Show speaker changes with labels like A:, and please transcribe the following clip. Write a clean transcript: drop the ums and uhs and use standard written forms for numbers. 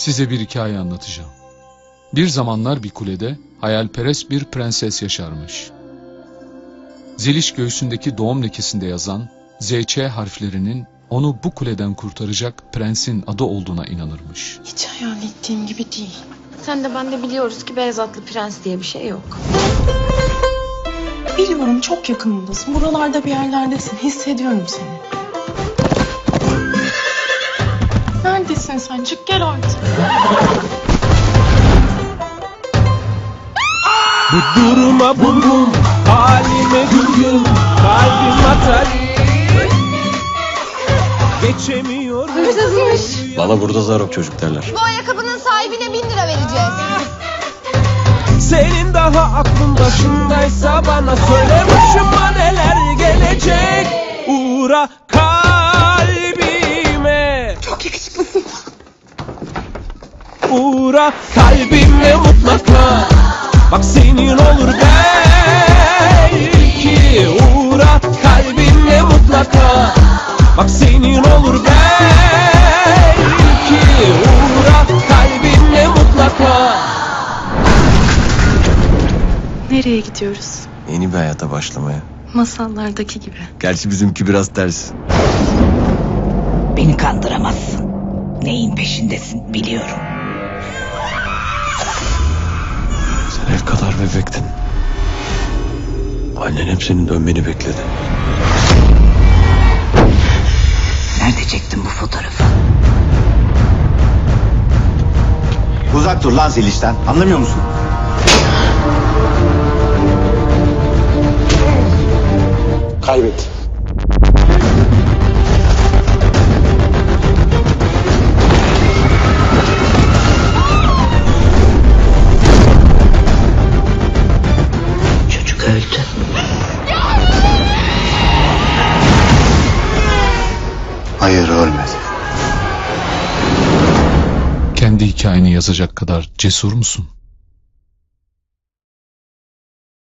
A: Size bir hikaye anlatacağım. Bir zamanlar bir kulede hayalperest bir prenses yaşarmış. Zeliş göğsündeki doğum lekesinde yazan ZÇ harflerinin onu bu kuleden kurtaracak prensin adı olduğuna inanırmış.
B: Hiç hayal ettiğim gibi değil.
C: Sen de ben de biliyoruz ki beyaz atlı prens diye bir şey yok.
B: Biliyorum, çok yakınımdasın. Buralarda bir yerlerdesin. Hissediyorum seni. Neredesin sen? Çık gel artık.
D: Bu duruma bum bum, halime güm güm, kalbim atar. Geçemiyorum.
C: Hırsızmış.
E: Bana burada zarok çocuk derler.
C: Bu ayakkabının sahibine 1000 lira vereceğiz.
D: Senin daha aklın başındaysa bana söyle, başıma neler gelecek. Uğra kalbime.
B: Çok yakışıklısın.
D: Uğra kalbime mutlaka. Bak senin olur belki. Uğra kalbime mutlaka. Bak senin olur belki. Uğra kalbime mutlaka.
B: Nereye gidiyoruz?
E: Yeni bir hayata başlamaya.
B: Masallardaki gibi.
E: Gerçi bizimki biraz ters.
F: Beni kandıramazsın. Neyin peşindesin biliyorum.
E: Sen ev kadar bebektin. Annen hep senin dönmeni bekledi.
F: Nerede çektin bu fotoğrafı?
G: Uzak dur lan Zeliş'ten. Anlamıyor musun? Kaybet.
F: Çocuk öldü.
G: Hayır, ölmedi.
A: Kendi hikayeni yazacak kadar cesur musun?